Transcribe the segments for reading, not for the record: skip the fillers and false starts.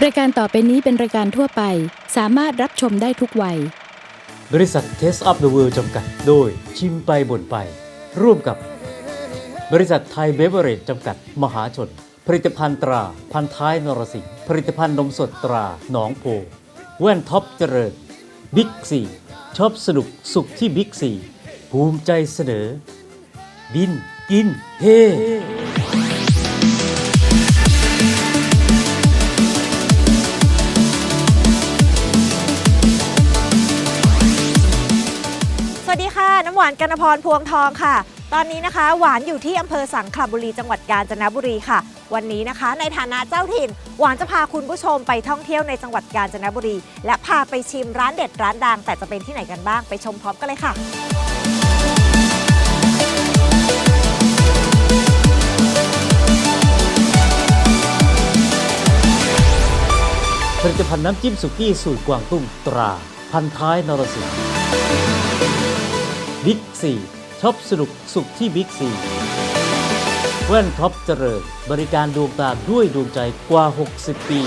รายการต่อไปนี้เป็นรายการทั่วไปสามารถรับชมได้ทุกวัยบริษัท Taste of the World จำกัดโดยชิมไปบ่นไปร่วมกับบริษัทไทยเบเวอเรจจำกัดมหาชนผลิตภัณฑ์ตราพันท้ายนรสิงห์ผลิตภัณฑ์นมสดตราหนองโพแว่นท็อปเจริญบิ๊กซีชอบสนุกสุขที่บิ๊กซีภูมิใจเสนอบินกินเฮสวัสดีค่ะน้ำหวานกนพรพวงทองค่ะตอนนี้นะคะหวานอยู่ที่อำเภอสังขละบุรีจังหวัดกาญจนบุรีค่ะวันนี้นะคะในฐานะเจ้าถิ่นหวานจะพาคุณผู้ชมไปท่องเที่ยวในจังหวัดกาญจนบุรีและพาไปชิมร้านเด็ดร้านดังแต่จะเป็นที่ไหนกันบ้างไปชมพร้อมกันเลยค่ะผลิตภัณฑ์น้ำจิ้มสุกี้สูตรกวางตุ้งตราพันท้ายนรสิงห์บิ๊กซีช็อปสนุกสุขที่บิ๊กซีแว่นท็อปเจริญบริการดวงตาด้วยดวงใจกว่า60 ปี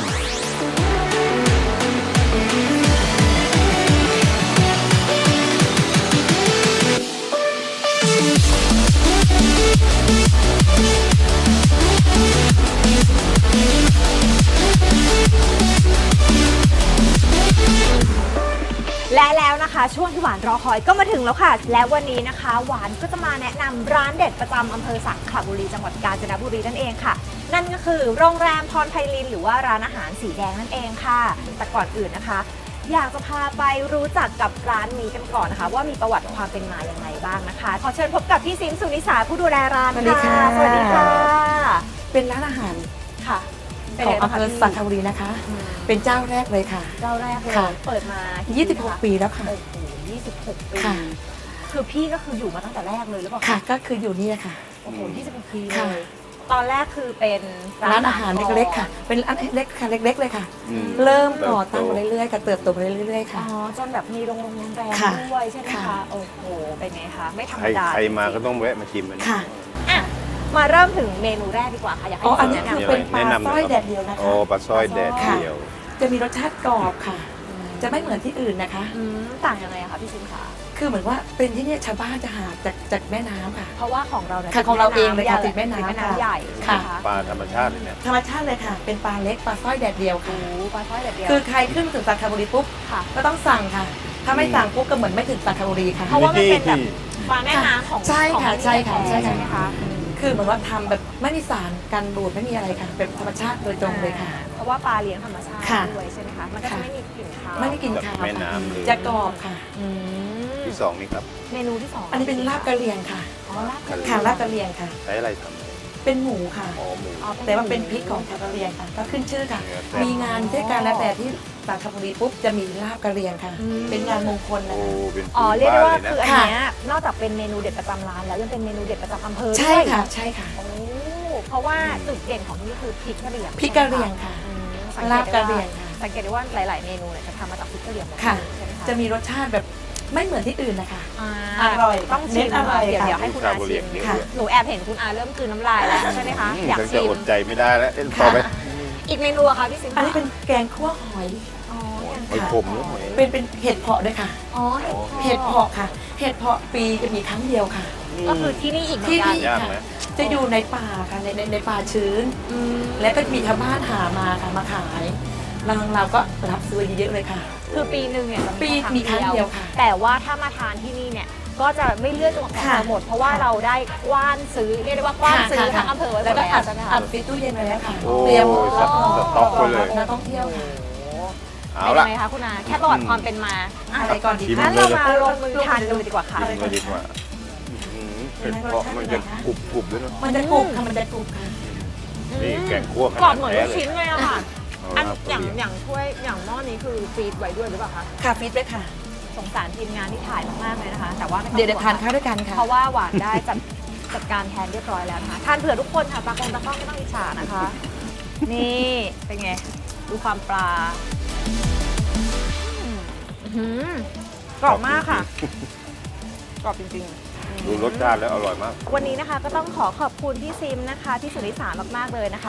และแล้วนะคะช่วงที่หวานรอคอยก็มาถึงแล้วค่ะและวันนี้นะคะหวานก็จะมาแนะนำร้านเด็ดประจำอำเภอสังขละบุรีจังหวัดกาญจนบุรีนั่นเองค่ะนั่นก็คือโรงแรมพรไพลินหรือว่าร้านอาหารสีแดงนั่นเองค่ะแต่ก่อนอื่นนะคะอยากจะพาไปรู้จักกับร้านนี้กันก่อนนะคะว่ามีประวัติความเป็นมาอย่างไรบ้างนะคะขอเชิญพบกับพี่ซิมสุนิสาผู้ดูแลร้านค่ะสวัสดีค่ะเป็นร้านอาหารค่ะของอำเภอสังขละบุรีนะคะเป็นเจ้าแรกเลยค่ะเจ้าแรกเลยเปิดมา 26 ปีแล้วค่ะโอ้โห26 ปีคือพี่ก็คืออยู่มาตั้งแต่แรกเลยหรือเปล่าค่ะก็คืออยู่นี่ค่ะโอ้โห26 ปีเลยตอนแรกคือเป็นร้านอาหารเล็กๆค่ะเป็นร้านเล็กค่ะเล็กๆเลยค่ะเริ่มก่อตั้งมาเรื่อยๆกับเติบโตมาเรื่อยๆค่ะอ๋อจนแบบมีโรงแรมด้วยใช่ไหมคะโอ้โหเป็นไงคะไม่ธรรมดาใครมาก็ต้องแวะมาชิมมันค่ะมาเริ่มถึงเมนูแรกดีกว่าค่ะอยากให้อันนี้คือเป็นปลาสร้อยแดดเดียวนะคะอ๋อปลาสร้อยแดดเดียวจะมีรสชาติกรอบค่ะจะไม่เหมือนที่อื่นนะคะต่างยังไงคะพี่ซิมคะคือเหมือนว่าเป็นที่นี่ชาวบ้านจะหาจากแม่น้ำค่ะเพราะว่าของเราเนี่ยของเราเองเลยค่ะติดแม่น้ำใหญ่ค่ะปลาธรรมชาติเลยเนี่ยธรรมชาติเลยค่ะเป็นปลาเล็กปลาสร้อยแดดเดียวค่ะปลาสร้อยแดดเดียวคือใครขึ้นถึงสังขละบุรีปุ๊บก็ต้องสั่งค่ะถ้าไม่สั่งปุ๊บก็เหมือนไม่ถึงสังขละบุรีค่ะเพราะว่ามันเป็นแบบปลาแม่น้ำของใช่ค่ะใช่ค่ะใช่ค่ะคือเหมือนว่าทำแบบไม่มีสารกันบูดไม่มีอะไรค่ะเป็นธรรมชาติโดยตรงเลยค่ะเพราะว่าปลาเลี้ยงธรรมชาติด้วยใช่ไหมคะมันก็จะไม่มีกลิ่นคาวไม่มีกลิ่นคาวแม่น้ำจะกรอบค่ะที่2นี่ครับเมนูที่2 อันนี้เป็นลาบกะเหรี่ยงค่ะลาบกะเหรี่ยงค่ะใช้อะไรทำเป็นหมูค่ะแต่ว่าเป็นพริกของชาวกะเหรี่ยงค่ะก็ขึ้นชื่อค่ะมีงานเทศกาลแล้วแต่ที่สังขละบุรีปุ๊บจะมีลาบกะเหรี่ยงค่ะเป็นงานมงคลนะคะเรียกได้ว่าคืออันนี้นอกจากเป็นเมนูเด็ดประจำร้านแล้วยังเป็นเมนูเด็ดประจำอำเภอใช่ค่ะใช่ค่ะเพราะว่าจุดเด่นของที่นี่คือพริกกะเหรี่ยงพริกกะเหรี่ยงค่ะลาบกะเหรี่ยงค่ะสังเกตได้ว่าหลายๆเมนูเนี่ยจะทำมาจากพริกกะเหรี่ยงค่ะจะมีรสชาติแบบไม่เหมือนที่อื่นนะคะอร่อยต้องชิมอร่อยเดี๋ยวให้คุณอาชิมหนูแอบเห็นคุณอาเริ่มกลืนน้ำลายแล้วใช่ไหมคะอยากชิมอดใจไม่ได้แล้วต่อไปอีกเมนูอะค่ะพี่ซิมอันนี้เป็นแกงคั่วหอยหอยขมเป็นเห็ดเผาะด้วยค่ะเห็ดเผาะค่ะเห็ดเผาะปีจะมีครั้งเดียวค่ะก็คือที่นี่อีกที่นี่ค่ะจะอยู่ในป่าค่ะในป่าชื้นและก็มีชาวบ้านหามาค่ะมาขายเราก็รับซื้อเยอะเลยค่ะคือปีหนึ่งเนี่ยมีครั้งเดียวค่ะแต่ว่าถ้ามาทานที่นี่เนี่ยก็จะไม่เลือกจังหวัดหมดเพราะว่าเราได้กว้านซื้อเรียกได้ว่ากว้านซื้อทั้งอำเภอไว้แล้วก็อัดฟิตตู้เย็นไว้แล้วค่ะเตรียมรับต็อกไปเลยนักท่องเที่ยวค่ะเป็นยังไงคะคุณอาแค่ประวัติความเป็นมาอะไรก่อนดีงั้นเรามาลงมือทานดูดีกว่าค่ะเป็นเพราะมันจะกรุบด้วยเนาะมันจะกรุบค่ะมันจะกรุบค่ะนี่แกงคั่วกรอบเหมือนลูกชิ้นเลยอะค่ะอันอย่างถ้วยอย่างหม้อนี้คือฟีดไว้ด้วยหรือเปล่าคะค่ะฟีดไว้ค่ะสงสารทีมงานที่ถ่ายมากๆเลยนะคะแต่ว่าเดี๋ยวทานข้าวด้วยกันค่ะเพราะว่าหวานได้จัดการแทนเรียบร้อยแล้วนะคะทานเผื่อทุกคนค่ะตากล้องไม่ต้องอิจฉานะคะนี่เป็นไงดูความปลากรอบมากค่ะกรอบจริงๆดูรสชาติแล้วอร่อยมากวันนี้นะคะก็ต้องขอบคุณพี่ซิมนะคะพี่สุนิสามากๆเลยนะคะ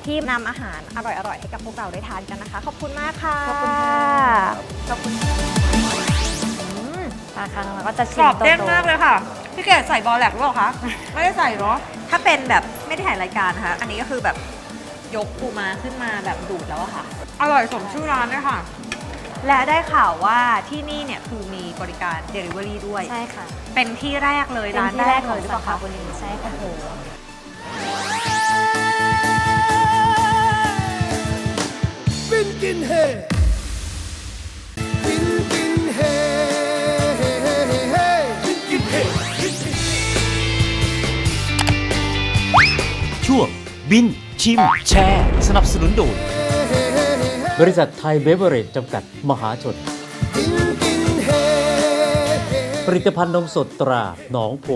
ที่นำอาหารอร่อยๆให้กับพวกเราได้ทานกันนะคะ ขอบคุณมากค่ะขอบคุณค่ะขอบคุณปลาคังเราก็จะกชิรมอบเด้งโตๆมากเลยค่ะ พี่เกดใส่บอลแหลกหรือเปล่าคะ ไม่ได้ใส่เนาะถ้าเป็นแบบไม่ได้ถ่ายรายการนะคะ อันนี้ก็คือแบบยกปูมาขึ้นมาแบบดูดแล้วอะค่ะ อร่อยสมชื่อร้านด้วยค่ะ และได้ข่าวว่าที่นี่เนี่ยคือมีบริการ Delivery ด้วยใช่ค่ะเป็นที่แรกเลยเป็นร้านที่แรแรกกเลของยหรือสาเปล่าขาคะบุรีใช่ค่ะ Bin Kin He Bin Kin He Bin Kin He ช่วงบินชิมแชร์ สนับสนุนโดยบริษัทไทยเบเวอเรจจำกัดมหาชน Bin Kin He ผลิตภัณฑ์นมสดตราหนองโพ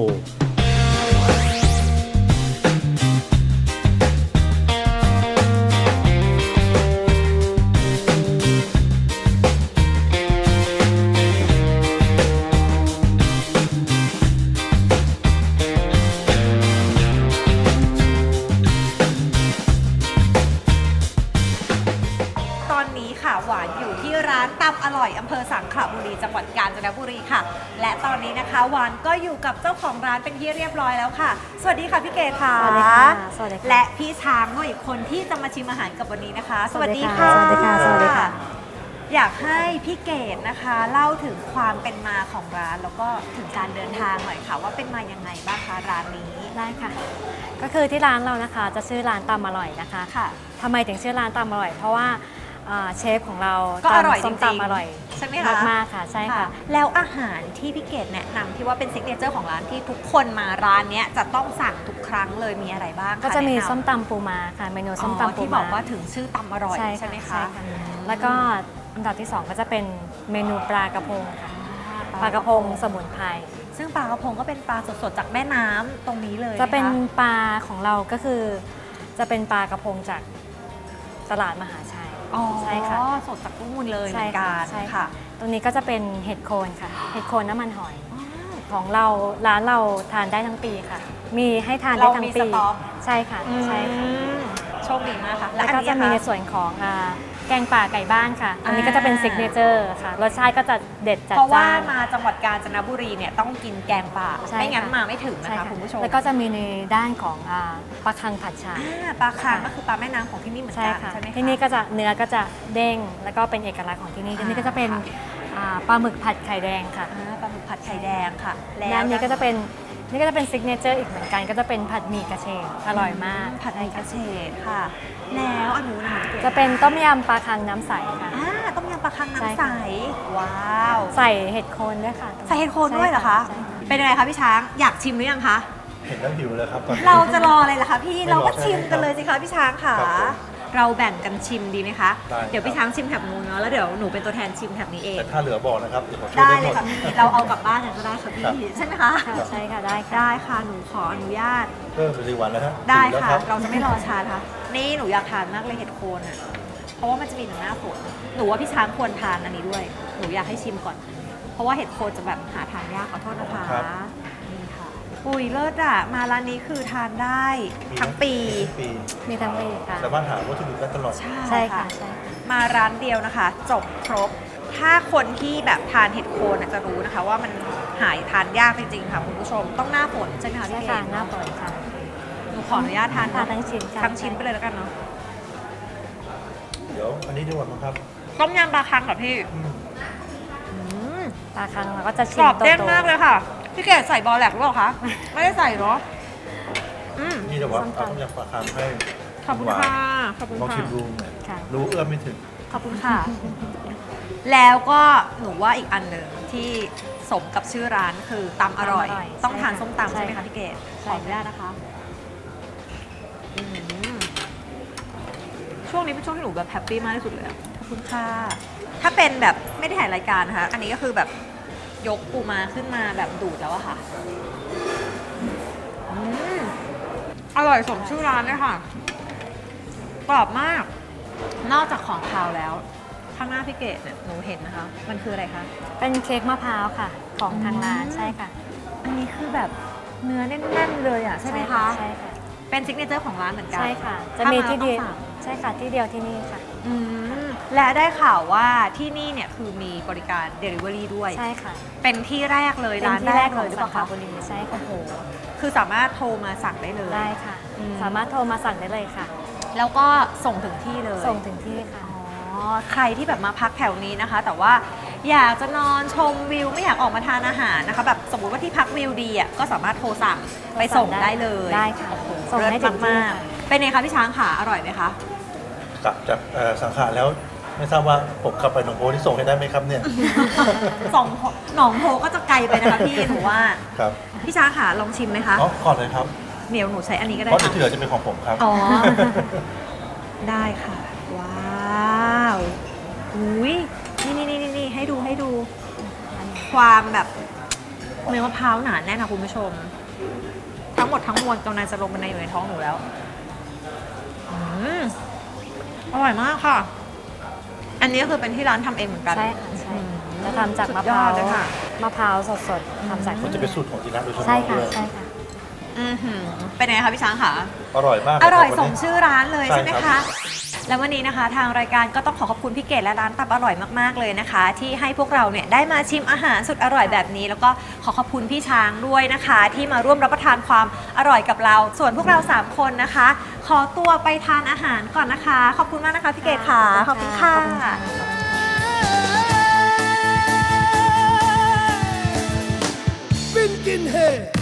ตอนนี้ค่ะหวานอยู่ที่ร้านตำอร่อยอำเภอสังขละบุรีจังหวัดกาญจนบุรีค่ะ และตอนนี้นะคะหวานก็อยู่กับเจ้าของร้านเป็นที่เรียบร้อยแล้วค่ะ สวัสดีค่ะพี่เกดค่ะสวัสดีค่ะสวัสดีค่ะและพี่ช้างด้วยอีกคนที่จะมาชิมอาหารกับวันนี้นะคะ สวัสดีค่ะสวัสดีค่ะสวัสดีค่ะอยากให้พี่เกดนะคะ เล่าถึงความเป็นมาของร้าน แล้วก็ถึงการเดินทางหน่อยค่ะ ว่าเป็นมายังไงบ้างคะร้านนี้ได้ค่ะ ก็คือที่ร้านเรานะคะจะชื่อร้านตำอร่อยนะคะค่ะทำไมถึงชื่อร้านตำอร่อย เพราะว่าเชฟของเราก็อร่อยตำส้มจริงๆตำอร่อยใช่ไหมคะมากๆค่ะใช่ค่ะแล้วอาหารที่พี่เกดแนะนำที่ว่าเป็นซิกเนเจอร์ของร้านที่ทุกคนมาร้านเนี้ยจะต้องสั่งทุกครั้งเลยมีอะไรบ้างคก็จะมีแนนำส้มตำปูม้าค่ะเมนูส้มตำปูม้าที่บอกว่าถึงชื่อตำอร่อยใช่ไหมคะแล้วก็อันดับที่ 2 ก็จะเป็นเมนูปลากระพงค่ะปลากระพงสมุนไพรซึ่งปลากระพงก็เป็นปลาสดๆจากแม่น้ำตรงนี้เลยจะเป็นคปลาของเราก็คือจะเป็นปลากระพงจากตลาดมหาชัยอ๋อใช่ค่ะสดจากตู้มูลเลยเหใช่มือนกัค่ะนใช่ค่ะค่ะ ตรงนี้ก็จะเป็นเห็ดโคนค่ะ เห็ดโคนน้ำมันหอย ของเราร้านเราทานได้ทั้งปีค่ะ มีให้ทานได้ทั้งปีเรามีสต๊อกใช่ค่ะใช่ค่ะโชคดีมากค่ะแล้วก็อันนี้จะมีในคส่วนของแกงป่าไก่บ้านค่ะ อันนี้ก็จะเป็นซิกเนเจอร์ค่ะ รสชาติก็จะเด็ดจัดเพราะว่าจ้านมาจังหวัดกาญจนบุรีเนี่ยต้องกินแกงป่าใช่ไม่งั้นค่ะมาไม่ถึงนะใช่คะคุณผู้ชมแล้วก็จะมีในด้านของปลาคังผัดชาปลาคางก็คือปลาแม่น้ำของที่นี่เหมือนใช่กันค่ะใช่ไหมคะที่นี่ก็จะเนื้อก็จะเด้งแล้วก็เป็นเอกลักษณ์ของที่นี่ที่นี่ก็จะเป็นปลาหมึกผัดไข่แดงค่ะปลาหมึกผัดไข่แดงค่ะด้านนี้ก็จะเป็นซิกเนเจอร์อีกเหมือนกันก็จะเป็นผัดหมี่กระเฉดอร่อยมากผัดไทยกระเฉดค่ะ แล้วอันนู้นนะคะจะเป็นต้มยำปลาคังน้ำใสค่ะต้มยำปลาคังใช่น้ำใสค่ะว้าวใส่เห็ดโคนด้วยค่ะใส่เห็ดโคนด้วยเหรอคะใช่ค่ะเป็นยังไงคะพี่ช้างอยากชิมหรือยังคะเห็นแล้วหิวเลยครับตอนนี้เราจะรออะไรล่ะคะพี่ไม่รอเราก็ใช่ไหมชิมกันเลยสิคะพี่ช้างค่ะครับผมเราแบ่งกันชิมดีไหมคะได้เดี๋ยวพี่ช้างชิมแถบนู้นเนาะแล้วเดี๋ยวหนูเป็นตัวแทนชิมแถบนี้เองแต่ถ้าเหลือบอกนะครับเดี๋ยวผมช่วยได้ได้หเลมยดค่ะพี่เราเอากลับบ้านกันก็ได้ค่ะพี่ครับใช่ไหมคะค่ะใช่ค่ะได้ค่ะได้ค่ะหนูขออนุญาตเพิ่มเป็นวันแล้วฮะได้หิวแล้วค่ะรับเราจะไม่รอช้านะคะนี่หนูอยากทานมากเลยเห็ดโคนอ่ะเพราะว่ามันจะมีหนึ่งหน้าฝนหนูว่าพี่ช้างควรทานอันนี้ด้วย หนูอยากให้ชิมก่อน เพราะว่าเห็ดโคนจะแบบหาทานยากขอโทษนะคะนี่ค่ะอุ้ยเลิศอ่ะมาร้านนี้คือทานได้ทั้งปีทั้งปีมีทั้งปีค่ะสามารถหาวัตถุดิบได้ตลอดใช่ค่ะใช่มาร้านเดียวนะคะ จบครบ ถ้าคนที่แบบทานเห็ดโคนจะรู้นะคะ ว่ามันหายทานยากจริงๆค่ะคุณผู้ชมต้องหน้าฝนใช่ไหมคะใช่พี่ค่ะเก๋หน้าฝนค่ะหนูขออนุญาตทานทานทั้งชิ้นค่ะทั้งชิ้นไปเลยแล้วกันเนาะเดี๋ยวอันนี้ดีกว่ามั้งครับต้มยำปลาคังค่ะพี่ปลาคังเราก็จะชิกมรอบเด้งโตๆมากเลยค่ะ พี่เก๋ใส่บอลแหลกหรือเปล่าคะ ไม่ได้ใส่เนาะอืมนี่เดี๋ยวว่าเอาต้มยำปลาคางให้ขอบคุณหวานค่ะขอบคุณลองค่ะชิมดูค่ะรู้เอื้อมไม่ถึงขอบคุณค่ะ แล้วก็หนูว่าอีกอันหนึ่งที่สมกับชื่อร้านคือตำอร่อยตำอร่อยต้องทานใช่ค่ะส้มตำใช่ไหมใช่คะค่ะพี่เก๋ขใช่ออนุญาตนะคะอืมช่วงนี้เป็นช่วงที่หนูแบบแฮปปี้มากที่สุดเลยอะขอบคุณค่ะ ถ้าเป็นแบบไม่ได้ถ่ายรายการนะคะ อันนี้ก็คือแบบยกปูมาขึ้นมาแบบดูดแล้วอะค่ะอืมอร่อยสมชื่อร้านเลยค่ะ กรอบมาก นอกจากของคาวแล้ว ข้างหน้าพี่เกดเนี่ยหนูเห็นนะคะ มันคืออะไรคะเป็นเค้กมะพร้าวค่ะ ของทางร้านใช่ค่ะอันนี้คือแบบเนื้อแน่นๆเลยอ่ะใช่ไหมคะใช่ค่ะเป็นซิกเนเจอร์ของร้านเหมือนกันใช่ค่ะ จะมีที่เดียวใช่ค่ะที่เดียวที่นี่ค่ะอืมและได้ข่าวว่าที่นี่เนี่ยคือมีบริการ Delivery ด้วยใช่ค่ะเป็นที่แรกเลยเป็นร้านที่แรแรกกเลเลย ยหรือสาเปล่าขาคะบุรีใช่ค่ะโอ้โหคือสามารถโทรมาสั่งได้เลยได้ค่ะอืมสามารถโทรมาสั่งได้เลยค่ะแล้วก็ส่งถึงที่เลยส่งถึงที่ค่ะอ๋อใครที่แบบมาพักแถวนี้นะคะ แต่ว่าอยากจะนอนชมวิวไม่อยากออกมาทานอาหารนะคะแบบสมมุติว่าที่พักวิวดีอ่ะก็สามารถโทรสั่งไปส่งได้เลยได้ค่ะโอ้โหส่งให้ถึงที่มากค่ะๆเป็นไงคะพี่ช้างค่ะอร่อยไหมคะกลับจากสังขารแล้วไม่ทราบว่าผมขับไปหนองโพที่ส่งให้ได้ไหมครับเนี่ยส่งหนองโพก็จะไกลไปนะคะพี่หนูว่าครับพี่ช้างค่ะลองชิมไหมคะอ๋อก่อนเลยครับเหนียวหนูใช้อันนี้ก็ได้เพราะเดี๋ยวค่ะที่เหลือจะเป็นของผมครับอ๋อ ได้ค่ะ ว้าวอุ้ยนี่ให้ดูความแบบเนื้อมะพร้าวหนาแน่นค่ะคุณผู้ชม ทั้งหมดทั้งมวลกำลังจะลงมาอยู่ในท้องหนูแล้วอืมอร่อยมากค่ะ อันนี้ก็คือเป็นที่ร้านทำเองเหมือนกันใช่ค่ะใช่อืมจะทำจากสุดมะพยอร้าดวเลยค่ะมะพร้าวสดๆทำจากมันจะเป็นสูตรของที่ร้านโดยเฉพาะใช่ค่ะด้วยใช่ค่ะอื้อหือเป็นไงคะพี่ช้างค่ะอร่อยมากอร่อยคบสวันมนี้ชื่อร้านเลยใช่ใช่ไหมครัคะบแล้ววันนี้นะคะทางรายการก็ต้องขอบคุณพี่เกดและร้านตับอร่อยมากๆเลยนะคะ ที่ให้พวกเราเนี่ยได้มาชิมอาหารสุดอร่อยแบบนี้ แล้วก็ขอขอบคุณพี่ช้างด้วยนะคะ ที่มาร่วมรับประทานความอร่อยกับเรา ส่วนพวกเรา3คนนะคะ ขอตัวไปทานอาหารก่อนนะคะ ขอบคุณมากนะคะพี่เกดค่ะขอบคุณค่ะ Finkenhead